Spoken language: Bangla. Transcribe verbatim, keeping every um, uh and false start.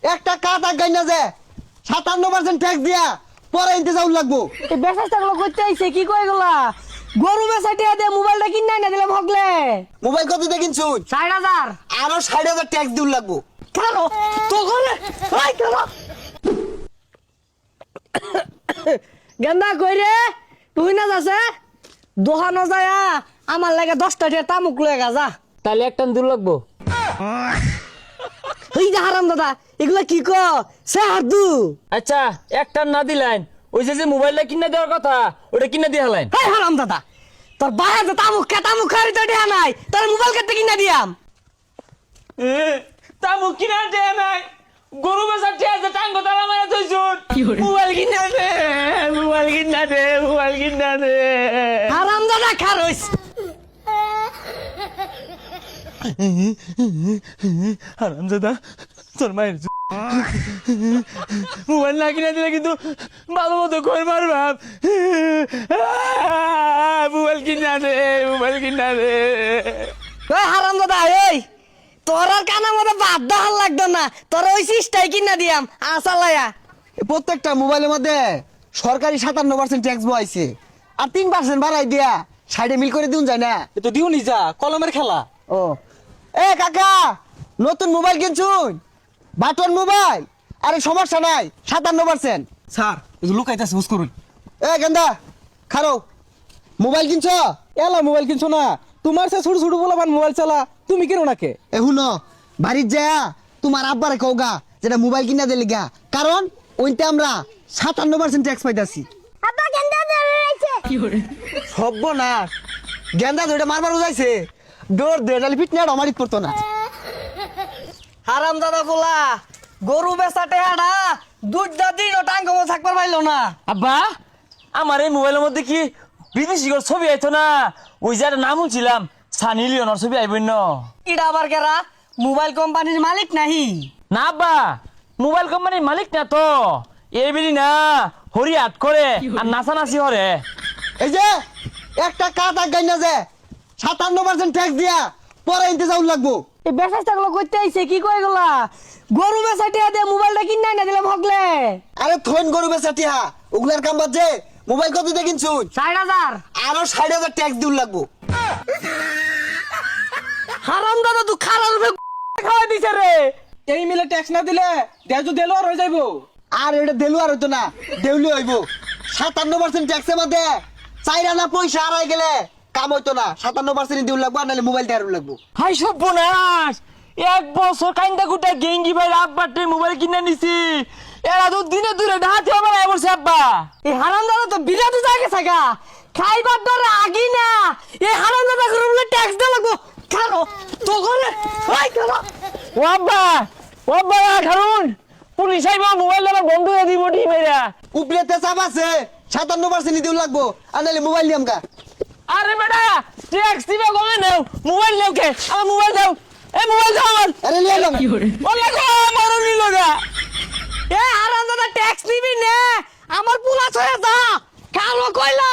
একটা কাটা গাইনা যে সাতান্ন পার্সেন্ট ট্যাক্স দিয়া পরে ইন্তজাম লাগবো। এই বেসাসটা গুলো করতে আইছে কি কয় এগুলা? গরু বেসাটিয়া দে মোবাইলটা কিনা না দিলাম হগলে। মোবাইল কত দিয়ে কিনছু? ষাট হাজার। আরো ষাট হাজার ট্যাক্স দিউল লাগবো। কারো তো গলে আই কারো গেন্দা কই রে তুই না যাচ্ছে দোহানো যায়া আমার লাগে দশটা দিয়ে তামুক লয়ে গা যা। তাহলে একটা দূর লাগবো। এই যে হারাম দাদা এগুলা কি ক সে হাদু। আচ্ছা একটা না দিলেন ওই যে যে মোবাইলটা কিনে দেওয়ার কথা ওটা কিনে দিয়ে হলেন। এই হারাম দাদা তোর বায়া যে তামুক খা তামুক খারি তো দেয়া নাই তোর মোবাইল কেটে কিনা দিয়াম। তামুক কিনে দেয় নাই গরু বেচার ঠিক আছে টাঙ্গ তালা মারা তুইছুন মোবাইল কিনে দে মোবাইল কিনে দে মোবাইল কিনে দে। হারাম দাদা খারইস হারাম দাদা তোর মায়ের মোবাইল না কিনে দিলে কিন্তু ভালো মতো কই মারবাম। মোবাইল কিনে দে মোবাইল কিনে দে। ওই হারাম দাদা এই তোর আর কানের মধ্যে বাদ দাহার লাগতো না তোর ওই সিস্টাই কিনা দিয়াম আসালায়া। প্রত্যেকটা মোবাইলের মধ্যে সরকারি সাতান্ন পার্সেন্ট ট্যাক্স বসাইছে আর তিন পার্সেন্ট বাড়াই দিয়া সাইডে মিল করে দিন যায় না। তো দিও নি যা কলমের খেলা। ও এ কাকা নতুন মোবাইল কিনছুন বাটন মোবাইল আরে সমস্যা নাই সাতান্ন পার্সেন্ট। স্যার লুকাইতেছে হুস করুন। এ গেন্দা খারো মোবাইল কিনছ? এলা মোবাইল কিনছো না তোমার সে ছোট ছোট বলা মোবাইল চালা তুমি কেন নাকে? এ হুনো বাড়ির যা তোমার আব্বারে কওগা যেটা মোবাইল কিনা দিলি গা কারণ ওইতে আমরা সাতান্ন পার্সেন্ট ট্যাক্স পাইতাছি। আব্বা গেন্দা ধরে রাখছে সর্বনাশ গেন্দা ধরে মারবার যাইছে ডোর দে ডালি ফিট না আমারই করতো না। হারাম দাদা বলা গরু বেচাটে হাডা দুধটা দিন ও টাঙ্গ থাকবার পাইলো না। আব্বা আমার এই মোবাইলের মধ্যে কি বিদেশি করে ছবি আইতো না ওই যে একটা নাম শুনছিলাম সানি লিওনার ছবি আইবই না। ইডা আবার কেরা মোবাইল কোম্পানির মালিক নাহি? না আব্বা মোবাইল কোম্পানির মালিক না তো এইবেলি না হরি হাট করে আর নাচানাচি হরে। এই যে একটা কাটা গাইনা যে সাতান্ন পার্সেন্ট ট্যাক্স দিয়া পরে ইন্তজাম লাগবো। এই বেসাসটা গুলো করতে আইছে কি কয় এগুলা? গরু বেচাটিয়া দে মোবাইলটা কিনা না দিলাম হগলে। আরে থইন গরু বেচা টিহা ওগুলার কাম বাদ যে মোবাইল কত দিয়ে কিনছুন? ষাট হাজার। আরো ষাট হাজার ট্যাক্স দিউল লাগবো। হারাম দাদা তুই খারাপ খাওয়াই দিছে রে। এই মিলে ট্যাক্স না দিলে দেজু দেলো আর হয়ে যাইবো। আর এটা দেলু আর হইতো না দেউলি হইব। সাতান্ন পার্সেন্ট ট্যাক্সের মধ্যে চাইরা না পয়সা হারাই গেলে কাম হইতো না। সাতান্ন পার্সেন্ট দিউল লাগবো আর নাহলে মোবাইল টেয়ার লাগবো। হাই সর্বনাশ এক বছর কাইন্দা গুটা গেঙ্গি ভাই আব্বাটে মোবাইল কিনে নিছি এরা তো দিনে দূরে ডাহাতে আমার বসে আব্বা। এই হারাম দাদা তো বিরাট জায়গা থাকা খাইবার ডরে আগি না। এই হারাম দাদা করে ট্যাক্স দে লাগবো খারো তো করে ওই খারো ও আব্বা ও আব্বা খারুন পুলিশ আইবা মোবাইল আমার বন্ধ হয়ে দিব টি মেরা। উপরেতে চাপ আছে সাতান্ন পার্সেন্ট দিউল লাগবো আর নাহলে মোবাইল নিয়াম গা। আরে বেটা ট্যাক্স দিবা কমে নাও মোবাইল নাও কে আমার মোবাইল দাও এই মোবাইল দাও আমার। আরে নিয়ে এলাম ওলা গো মারো নিলো গা। এ হারাম দাদা ট্যাক্স নিবি নে আমার পুলাশ হয়ে যা কালো কইলা